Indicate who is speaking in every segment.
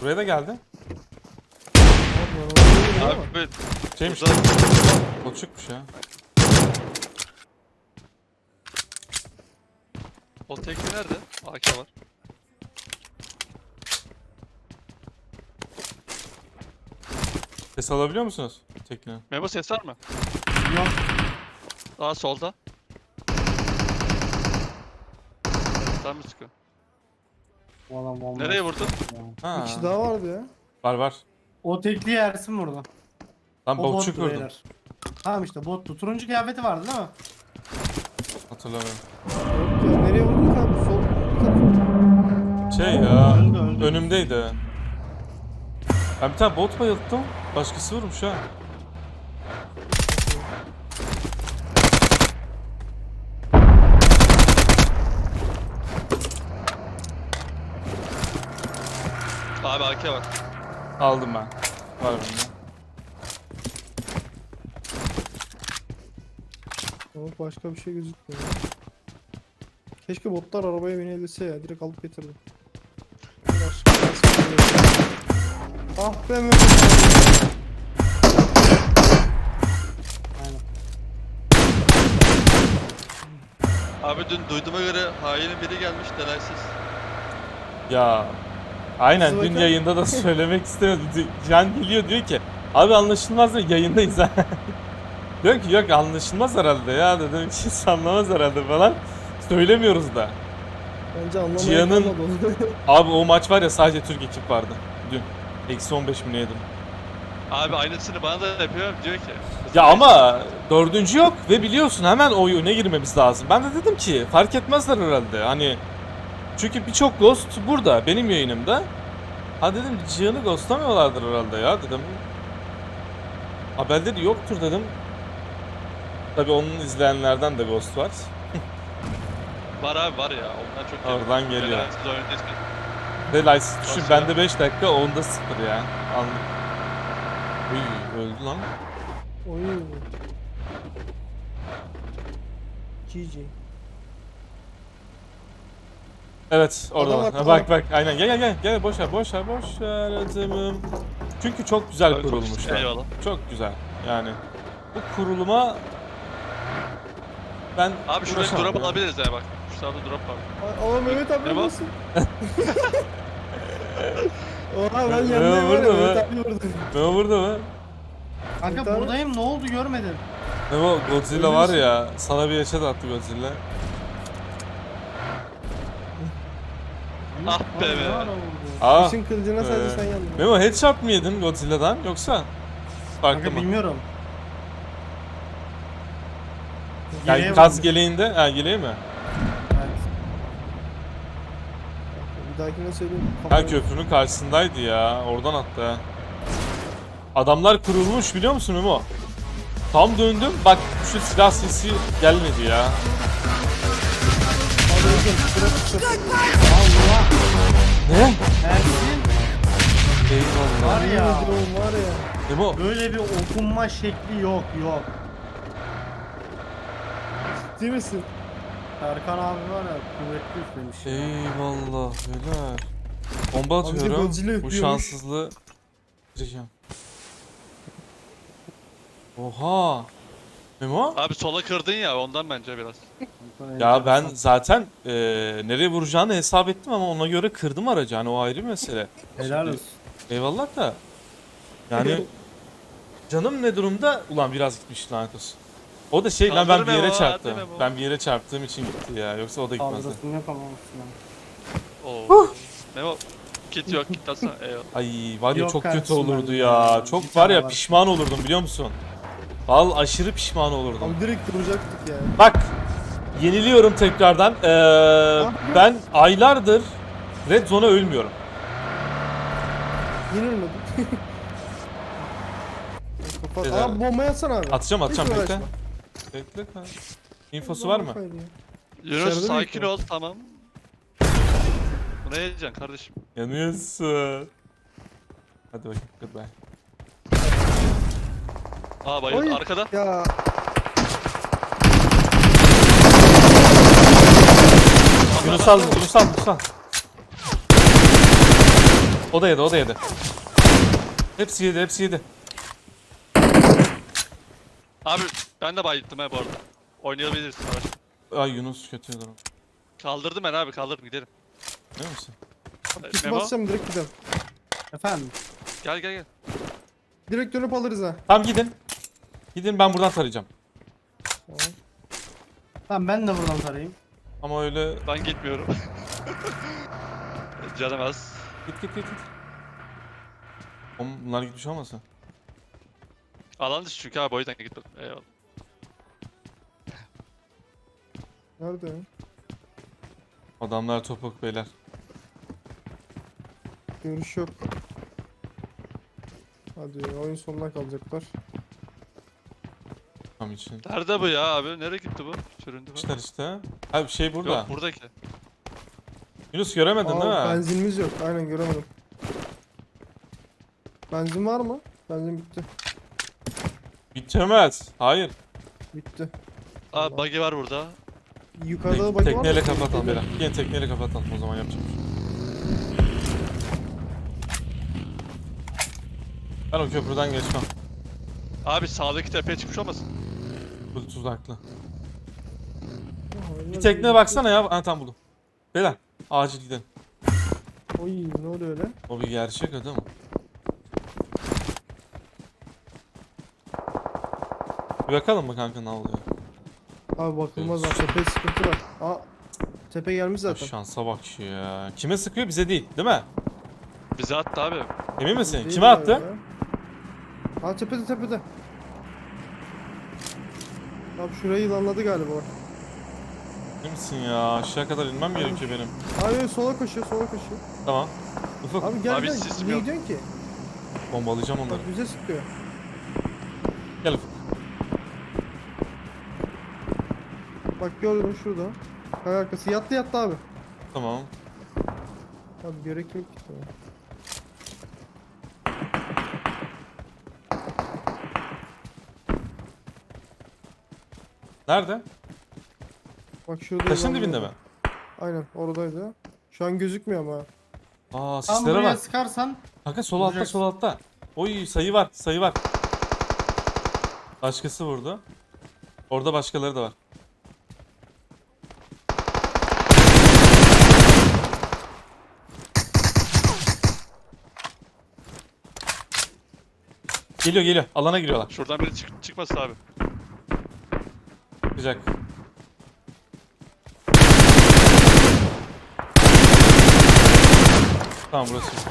Speaker 1: Buraya da geldi.
Speaker 2: Abi
Speaker 1: Şeymiş. Botçukmuş ya.
Speaker 2: o tekli nerede? AK var.
Speaker 1: Ses alabiliyor musunuz? Tekne.
Speaker 2: Memo ses var mı?
Speaker 3: Yok.
Speaker 2: Daha solda. Tam mı çıkıyor?
Speaker 3: Bu adam bomba.
Speaker 2: Nereye vurdun?
Speaker 1: Ha.
Speaker 4: Bir kişi daha vardı ya.
Speaker 1: Var var.
Speaker 3: O tekliği Ersin vurdu.
Speaker 1: Lan
Speaker 3: O
Speaker 1: botçuk
Speaker 3: bottu
Speaker 1: vurdum.
Speaker 3: beyler. Tamam işte bottu. Turuncu kıyafeti vardı değil mi?
Speaker 1: Hatırlamıyorum.
Speaker 4: Yok ya, nereye vurdun abi? Sol tarafı.
Speaker 1: Şey ya.
Speaker 3: Öldü.
Speaker 1: Önümdeydi. Ben bir tane bot bayılttım. Başkası vurmuş ha.
Speaker 2: Abi AK var.
Speaker 1: Aldım ben. Var bende.
Speaker 4: Ama başka bir şey gözükmüyor. Keşke botlar arabaya binebilse ya. Direkt alıp getirdim. Ah be Mehmet.
Speaker 3: Aynen.
Speaker 2: Abi dün duyduğuma göre hainin biri gelmiş delaysız.
Speaker 1: Ya. Aynen
Speaker 4: Nasıl
Speaker 1: dün
Speaker 4: bakın?
Speaker 1: yayında da söylemek istemedim. Can geliyor diyor ki abi anlaşılmaz mı? Yayındayız ha. Diyor ki yok anlaşılmaz herhalde ya dedim hiç anlamaz herhalde falan. Söylemiyoruz da.
Speaker 4: Bence anlamaya
Speaker 1: Cihan'ın-
Speaker 4: kalmadı onu.
Speaker 1: Abi o maç var ya sadece Türk ekip vardı dün. Eksi 15 mi ne yedim?
Speaker 2: Abi aynısını bana da yapıyor diyor ki.
Speaker 1: Ya ama dördüncü yok ve biliyorsun hemen o oyuna girmemiz lazım. Ben de dedim ki fark etmezler herhalde hani. Çünkü birçok ghost burada benim yayınımda. Ha dedim Cihan'ı ghostlamıyorlardır herhalde ya dedim. Haberleri yoktur dedim. Tabi onun izleyenlerden de ghost var.
Speaker 2: Var abi var ya onlar çok iyi.
Speaker 1: Oradan geliyor.
Speaker 2: Delaysız oyundayız ki.
Speaker 1: Ve Lysis düşün
Speaker 2: Nasıl
Speaker 1: bende
Speaker 2: ya?
Speaker 1: 5 dakika onda 0 ya. Anlık. Uy öldü lan.
Speaker 4: Oy. GG.
Speaker 1: Evet orada
Speaker 4: Adam
Speaker 1: var.
Speaker 4: var,
Speaker 1: Ha, bak bak aynen gel boş ver adamım. Çünkü çok güzel
Speaker 2: Abi,
Speaker 1: kurulmuşlar.
Speaker 2: eyvallah.
Speaker 1: Çok güzel yani. Bu kuruluma ben
Speaker 2: Abi şurada
Speaker 1: uğraşamam
Speaker 2: drop
Speaker 1: ya.
Speaker 2: alabiliriz ya bak. Şu sağda drop var.
Speaker 4: Ama Mehmet abi
Speaker 2: Ne bu?
Speaker 4: nasıl? Oha ben
Speaker 1: Mehmet
Speaker 4: yanındayım var ya
Speaker 1: vurdu mu?
Speaker 4: Mehmet abi vurdu.
Speaker 1: Memo burada mı?
Speaker 3: Kanka
Speaker 4: Tamam.
Speaker 3: buradayım ne oldu görmedim.
Speaker 1: Memo Godzilla var ya sana bir yaşat attı Godzilla.
Speaker 2: Ah be
Speaker 3: Abi,
Speaker 2: be.
Speaker 3: ne ara vurdu?
Speaker 1: Aa.
Speaker 4: İşin kılıcına sadece sen yandın.
Speaker 1: Memo headshot mı yedin Godzilla'dan yoksa farklı
Speaker 3: Kanka
Speaker 1: mı?
Speaker 3: bilmiyorum.
Speaker 1: Yani
Speaker 3: Geriye
Speaker 1: gaz
Speaker 3: vurmuş.
Speaker 1: geleğinde, ha geleği mi?
Speaker 3: Evet.
Speaker 4: Bir dahakine söyleyeyim.
Speaker 1: Ha köprünün karşısındaydı ya. Oradan attı ha. Adamlar kurulmuş biliyor musun Memo? Tam döndüm bak şu silah sesi gelmedi ya.
Speaker 4: Abi öldüm. Bırak.
Speaker 3: Allah.
Speaker 1: Ne?
Speaker 3: Ersin
Speaker 1: Eyvallah.
Speaker 3: var ya.
Speaker 4: Drone var ya.
Speaker 1: Memo
Speaker 3: Böyle bir okunma şekli yok.
Speaker 4: Ciddi misin?
Speaker 3: Erkan abi var ya kuvvetli üflemiş.
Speaker 1: eyvallah beyler. Bomba
Speaker 4: Abi de
Speaker 1: atıyorum.
Speaker 4: Godzilla
Speaker 1: Bu
Speaker 4: öpüyormuş.
Speaker 1: şanssızlığı gireceğim. Oha. Memo?
Speaker 2: Abi sola kırdın ya ondan bence biraz.
Speaker 1: Ya ben zaten nereye vuracağını hesap ettim ama ona göre kırdım aracı. Hani o ayrı bir mesele.
Speaker 3: Helal olsun.
Speaker 1: Eyvallah da. Yani canım ne durumda? Ulan biraz gitmiş lanet olsun. O da şey lan ben
Speaker 2: Kaldır
Speaker 1: bir yere
Speaker 2: Memo,
Speaker 1: çarptım.
Speaker 2: hadi Memo.
Speaker 1: Ben bir yere çarptığım için gitti ya. Yoksa o da gitmezdi.
Speaker 3: Kaldırasını yapamamışsın.
Speaker 2: Oo. Memo kit yok kit atsana. Eyvallah.
Speaker 1: Ay var ya
Speaker 3: Yok
Speaker 1: çok kötü
Speaker 3: kardeşim
Speaker 1: olurdu
Speaker 3: ben
Speaker 1: ya.
Speaker 3: ya.
Speaker 1: Çok
Speaker 3: Bir
Speaker 1: var
Speaker 3: tane
Speaker 1: ya
Speaker 3: var.
Speaker 1: pişman olurdum biliyor musun? Vallahi aşırı pişman olurdum.
Speaker 4: Abi direkt duracaktık ya.
Speaker 1: Bak yeniliyorum tekrardan. Ben aylardır Red Zone'a ölmüyorum.
Speaker 4: Yenilmedik. Kapat.
Speaker 1: Beyler.
Speaker 4: Abi bomba yatsana abi.
Speaker 1: Atacağım
Speaker 4: Hiç
Speaker 1: bekle.
Speaker 4: uğraşma.
Speaker 1: Bekle kanka. İnfosu var mı?
Speaker 4: Kafaydı ya.
Speaker 2: Yunus
Speaker 4: Dışarıda
Speaker 2: sakin
Speaker 4: bekliyorum.
Speaker 2: ol tamam. Bu ne yiyeceksin kardeşim?
Speaker 1: Yanıyorsun. Hadi bakayım goodbye.
Speaker 2: Aa bayıldı
Speaker 4: Oy.
Speaker 2: arkada.
Speaker 4: Ya
Speaker 1: Yunus al. O da yedi, o da yedi. Hepsi yedi, hepsi yedi.
Speaker 2: Abi ben de bayılttım ha bu arada. Oynayabiliriz. Araç.
Speaker 1: Ay Yunus kötü durum.
Speaker 2: Kaldırdım ben abi, kaldırdım, gidelim.
Speaker 1: Değil misin?
Speaker 4: Kit
Speaker 2: Memo
Speaker 4: basacağım direkt gidelim.
Speaker 3: Efendim.
Speaker 2: gel gel gel.
Speaker 4: Direkt dönüp alırız ha.
Speaker 1: Tamam gidin. Gidin, ben buradan tarayacağım.
Speaker 4: Tamam.
Speaker 3: Tamam ben de buradan tarayayım.
Speaker 1: Ama öyle...
Speaker 2: Ben gitmiyorum. Canım az.
Speaker 1: Git. Oğlum bunlar gitmiş olmasın?
Speaker 2: Alan dışı çünkü abi, o yüzden gitmedim. Eyvallah.
Speaker 4: Nerede ya?
Speaker 1: Adamlar topuk beyler.
Speaker 4: Görüş yok. Hadi oyun sonuna kalacaklar.
Speaker 1: Tam için.
Speaker 2: Nerede bu ya abi? Nereye gitti bu? Süründü bu.
Speaker 1: İşte. Abi şey burada.
Speaker 2: Yok buradaki.
Speaker 1: Yunus göremedin değil mi?
Speaker 4: Benzinimiz yok. Aynen göremedim. Benzin var mı? Benzin bitti.
Speaker 1: Bitemez. Hayır.
Speaker 4: Bitti.
Speaker 2: Aa buggy var burada.
Speaker 4: Yukarıda da bagi var mı?
Speaker 1: Tekneyle kapatalım beyler. Yine tekneyle kapatalım, o zaman yapacağım. Ben o köprüden geçmem.
Speaker 2: Abi sağdaki tepeye çıkmış olmasın?
Speaker 1: Bu tuzaklı.
Speaker 4: Aa,
Speaker 1: Bir tekneye baksana ya. Ha tamam buldum. Beyler acil gidelim.
Speaker 4: Oy ne oluyor öyle?
Speaker 1: O bir gerçek adam. Bir bakalım mı kanka ne oluyor?
Speaker 4: Abi bakılmaz lan. Tepe sıkıntı var. Aa tepe gelmiş
Speaker 1: Ya
Speaker 4: zaten.
Speaker 1: şansa bak ya. Kime sıkıyor? Bize değil mi?
Speaker 2: Bize attı abi.
Speaker 1: Emin misin?
Speaker 4: Değil
Speaker 1: Kime
Speaker 4: ya
Speaker 1: attı?
Speaker 4: ya. Aa tepede. Abi şurayı yılanladı galiba.
Speaker 1: Emin misin ya? Aşağı kadar inmem gerekiyor benim.
Speaker 4: Hayır sola koşuyor.
Speaker 1: Tamam. Ufuk
Speaker 4: Abi gel
Speaker 2: Abi
Speaker 4: gel.
Speaker 2: sisim
Speaker 4: Niye
Speaker 2: yok.
Speaker 4: gidiyorsun ki?
Speaker 1: bombalayacağım onları.
Speaker 4: Bak bize sıkıyor.
Speaker 1: Gel Ufuk.
Speaker 4: Bak gördüm şurada. Kaya arkası yattı abi.
Speaker 1: Tamam.
Speaker 4: Abi gerek yok ki. Tamam.
Speaker 1: Nerede?
Speaker 4: Bak şurada.
Speaker 1: Taşın
Speaker 4: yılanlıyor.
Speaker 1: dibinde mi?
Speaker 4: Aynen oradaydı. Şu an gözükmüyor ama.
Speaker 1: Aa
Speaker 3: Tam
Speaker 1: sislere
Speaker 3: buraya
Speaker 1: bak.
Speaker 3: sıkarsan
Speaker 1: Kanka sol altta
Speaker 3: Vuracaksın.
Speaker 1: sol altta. Oy sayı var. Başkası vurdu. Orada başkaları da var. Geliyor. Alana giriyorlar.
Speaker 2: Şuradan biri çıkmasın abi.
Speaker 1: Çıkacak. Tamam burası işte.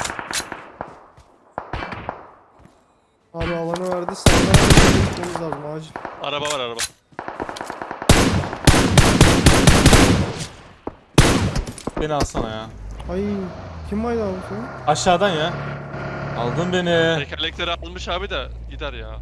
Speaker 4: Abi alanı verdi. Sağdan gitmemiz lazım acil.
Speaker 2: Araba var araba.
Speaker 1: Beni alsana ya.
Speaker 4: Ay kim vardı abi senin?
Speaker 1: Aşağıdan ya. Aldın beni.
Speaker 2: Tekerlekleri almış abi de gider ya.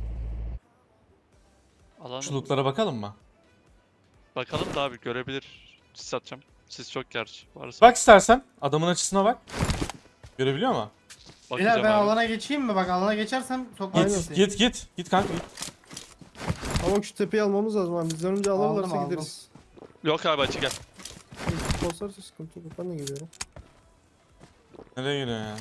Speaker 2: Alan
Speaker 1: Çuluklara bakalım mı?
Speaker 2: bakalım da abi, görebilir. Sis atacağım. Sis çok gerçi. Varsa
Speaker 1: Bak istersen. Adamın açısına bak. Görebiliyor mu?
Speaker 2: bakacağım
Speaker 3: Beyler ben
Speaker 2: abi.
Speaker 3: alana geçeyim mi? Bak alana geçersem sokmam
Speaker 4: Aynen.
Speaker 3: sizi.
Speaker 1: Git kanka git.
Speaker 4: Ama şu tepeyi almamız lazım abi. Bizden önce alırlarsa
Speaker 3: Aldım.
Speaker 4: gideriz.
Speaker 2: Yok abi, açı gel.
Speaker 4: Basarsa sıkıntı yok. Ben de geliyorum.
Speaker 1: Nereye gidiyor ya?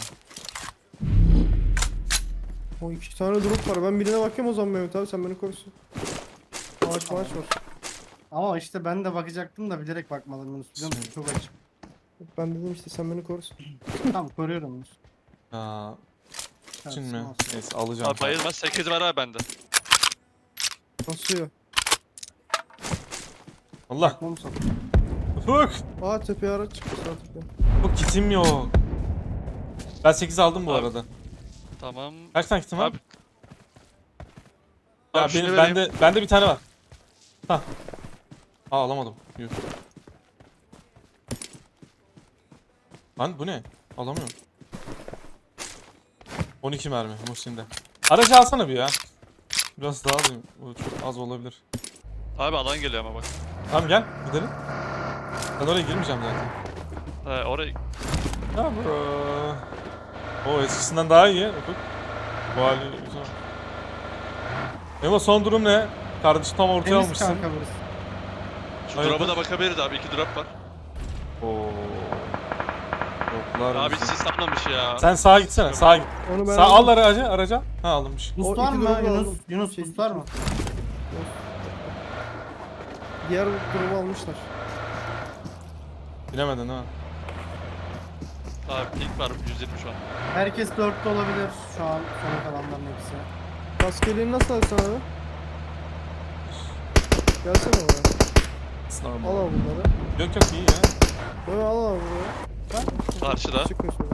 Speaker 4: O iki tane drop var. Ben birine bakayım o zaman Mehmet abi. Sen beni korusun. Ağaç var.
Speaker 3: Ama işte ben de bakacaktım da bilerek bakmadım Yunus. Biliyor musun? Çok açık.
Speaker 4: Ben dedim işte sen beni korusun.
Speaker 3: Tamam koruyorum Yunus.
Speaker 1: Aa, için mi?
Speaker 3: Olsun.
Speaker 1: Neyse alacağım.
Speaker 2: Abi bayılmaz, 8 var abi bende.
Speaker 4: Basıyor.
Speaker 1: Allah.
Speaker 3: Bakmam sok.
Speaker 1: Ufuk.
Speaker 4: Aa tepeye araç çıktı sağ tepeye.
Speaker 1: Ufuk kitim yok. Ben 8 aldım bu
Speaker 2: Abi.
Speaker 1: arada.
Speaker 2: Tamam.
Speaker 1: Kaç tane kitim var?
Speaker 2: Abi.
Speaker 1: Ya
Speaker 2: Abi şunu
Speaker 1: benim,
Speaker 2: vereyim.
Speaker 1: bende bir tane var. Ha. Aa alamadım. Yuh. Lan bu ne? Alamıyorum. 12 mermi Muhsin'de. Aracı alsana bir ya. Biraz daha alayım. Bu çok az olabilir.
Speaker 2: Abi alan geliyor ama bak.
Speaker 1: Tamam gel gidelim. Ben oraya girmeyeceğim zaten.
Speaker 2: Orayı
Speaker 1: Ya bro. O eskisinden daha iyi. Ufuk. Bu hali güzel. Memo son durum ne? Kardeşi tam ortaya
Speaker 3: Temiz
Speaker 1: almışsın.
Speaker 3: kanka burası.
Speaker 2: şu
Speaker 1: Hayırdır?
Speaker 2: drop'a da bakabiliriz abi. 2 drop var.
Speaker 1: Oo. Toplar
Speaker 2: Abi
Speaker 1: bizi.
Speaker 2: sis atmamış ya.
Speaker 1: Sen sağa gitsene, sağa git.
Speaker 4: Onu ben
Speaker 1: Sağ al
Speaker 4: aldım.
Speaker 1: araca. Ha alınmış.
Speaker 4: O
Speaker 3: Boost var
Speaker 4: iki
Speaker 3: mı
Speaker 4: drop'u
Speaker 3: Yunus?
Speaker 4: aldım.
Speaker 3: Yunus
Speaker 4: Şey,
Speaker 3: boost var mı?
Speaker 4: Diğer drop'u almışlar.
Speaker 1: Bilemedin ha.
Speaker 2: Abi pink var 120 şu an.
Speaker 3: Herkes 4'te olabilir şu an sona kalanların hepsi.
Speaker 4: Kaskeliğini nasıl alsan abi? Gelsene buraya.
Speaker 1: It's
Speaker 4: Al
Speaker 1: normal.
Speaker 4: abi bunları.
Speaker 1: Yok iyi ya.
Speaker 4: Böyle al abi buraya.
Speaker 2: Karşıda.
Speaker 4: Çıkın şöyle.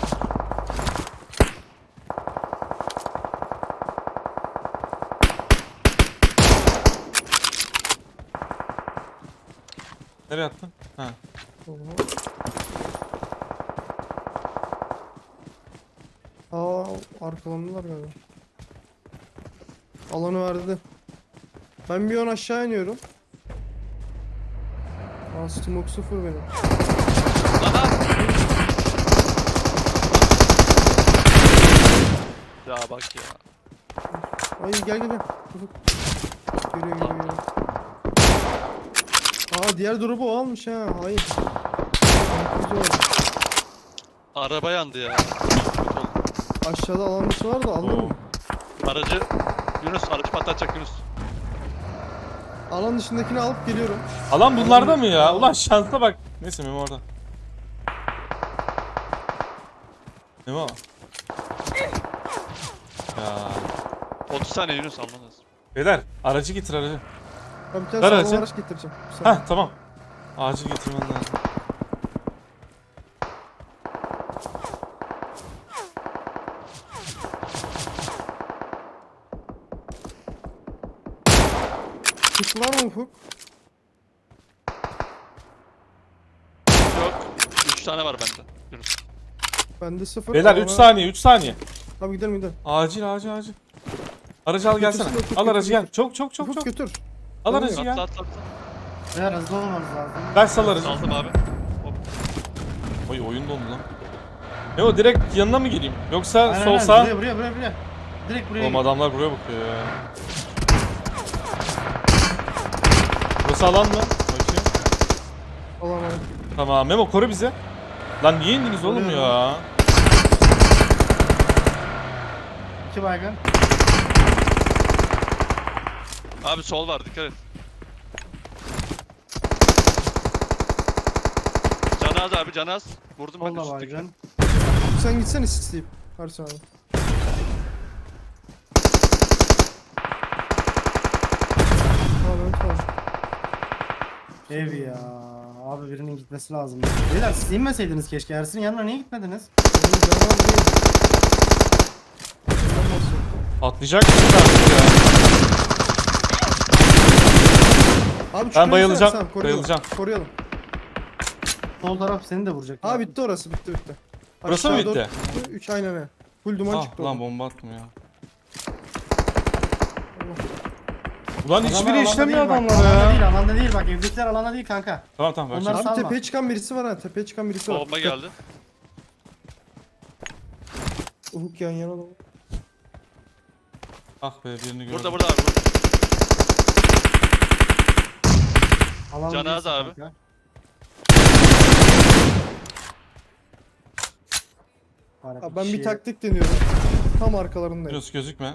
Speaker 1: Nereye attın? Ha.
Speaker 4: Aa, arkalandılar galiba. Alanı verdi. Ben bir an aşağı iniyorum. Aa, smoke 0 benim.
Speaker 2: Aha! Ya bak ya.
Speaker 4: Ay gel. Ufuk. Geliyor. Aa, diğer drop'u o almış ha. Hayır. Güzel oldu.
Speaker 2: Araba yandı ya. Kötü oldu.
Speaker 4: Aşağıda alan dışı var da
Speaker 1: Oo.
Speaker 4: alırım.
Speaker 2: Aracı aracı patlatacak Yunus.
Speaker 4: Alan dışındakini alıp geliyorum.
Speaker 1: Alan bunlarda mı ya? Ulan şansa bak. Neyse Memo orada. Memo. Ya.
Speaker 2: 30 saniye Yunus alman lazım.
Speaker 1: Beyler aracı getir aracı.
Speaker 4: Ben bir tane
Speaker 1: Ver
Speaker 4: sağlam
Speaker 1: aracı.
Speaker 4: araç getireceğim. Bir saniye.
Speaker 1: Heh tamam. Acil getirmen lazım.
Speaker 4: Kit var mı Ufuk?
Speaker 2: Yok. 3 tane var bende. Yunus.
Speaker 4: Bende 0.
Speaker 1: Beyler 3 saniye 3 saniye.
Speaker 4: Tamam gidelim.
Speaker 1: Acil. Aracı al gelsene.
Speaker 4: Götürsün,
Speaker 1: Al aracı
Speaker 4: götür.
Speaker 1: gel. Çok.
Speaker 4: Ufuk götür.
Speaker 1: Al aracı
Speaker 2: Atla
Speaker 1: gel.
Speaker 2: atla.
Speaker 3: Eğer hızlı olmamız lazım.
Speaker 1: Ben sal aracı.
Speaker 2: Saldım abi. Hop.
Speaker 1: Oy oyun dondu lan. Memo direkt yanına mı gireyim? Yoksa
Speaker 3: Aynen,
Speaker 1: sol
Speaker 3: aynen.
Speaker 1: sağ?
Speaker 3: Buraya. Direkt buraya.
Speaker 1: Oğlum
Speaker 3: git.
Speaker 1: adamlar buraya bakıyor ya. Burası alan mı? Bakayım.
Speaker 4: Alan var.
Speaker 1: Tamam Memo koru bizi. Lan niye indiniz oğlum
Speaker 3: Koruyorum.
Speaker 1: ya?
Speaker 3: 2 baygın.
Speaker 2: Abi sol var dikkat et. Canaz abi canaz. Vurdum ben
Speaker 3: Solda
Speaker 2: üstteki.
Speaker 3: baygın.
Speaker 4: Sen gitsene sisleyip. Harsun abi. Tamam tamam.
Speaker 3: Ev ya. Abi birinin gitmesi lazım. Beyler siz inmeseydiniz keşke. Ersin'in yanına niye gitmediniz?
Speaker 4: Benim canım değil. Ondan bahsediyorum.
Speaker 1: Atlayacak mısın artık ya?
Speaker 4: Abi
Speaker 1: Ben bayılacağım,
Speaker 4: Tamam, koruyalım.
Speaker 1: bayılacağım.
Speaker 4: Koruyalım.
Speaker 3: Sol taraf seni de vuracak.
Speaker 4: Aa bitti orası bitti.
Speaker 1: Burası mı bitti?
Speaker 4: 3 aynen öyle. Full duman
Speaker 1: Ah
Speaker 4: çıktı
Speaker 1: lan
Speaker 4: oradan.
Speaker 1: bomba attım ya. Ulan
Speaker 3: Adamlar
Speaker 1: hiçbiri
Speaker 3: alanda
Speaker 1: işlemiyor
Speaker 3: değil bak,
Speaker 1: adamlar
Speaker 3: Alanda
Speaker 1: ya.
Speaker 3: değil, alanda değil bak. Evdekiler alanda değil kanka.
Speaker 1: Tamam
Speaker 3: Onlar-
Speaker 1: bakacağım.
Speaker 4: Abi
Speaker 3: Salma.
Speaker 4: tepeye çıkan birisi var ha. Tepeye çıkan birisi var.
Speaker 2: Bomba geldi.
Speaker 4: Ufuk yan yana da.
Speaker 1: Ah be birini gördüm.
Speaker 2: Burada abi. Burada.
Speaker 3: Alanda
Speaker 2: Canaz
Speaker 3: değilsin
Speaker 2: abi.
Speaker 3: kanka. Var
Speaker 4: Abi ben bir
Speaker 3: kişi-
Speaker 4: taktik deniyorum. Tam arkalarındayım.
Speaker 1: Yunus gözükme.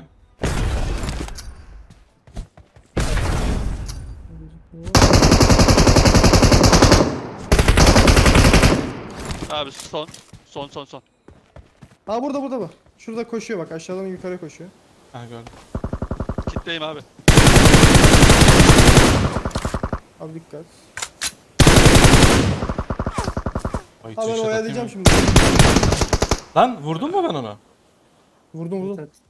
Speaker 2: Abi son. Son.
Speaker 4: Aa burada bak. Şurada koşuyor bak aşağıdan yukarı koşuyor.
Speaker 1: Ha gördüm.
Speaker 2: Kitleyim abi.
Speaker 4: Abi dikkat.
Speaker 1: Ay,
Speaker 4: Abi ben
Speaker 1: çeşit
Speaker 4: oyalayacağım
Speaker 1: atayım
Speaker 4: şimdi.
Speaker 1: mı? Lan vurdun mu ben onu?
Speaker 4: Vurdum.
Speaker 3: Evet.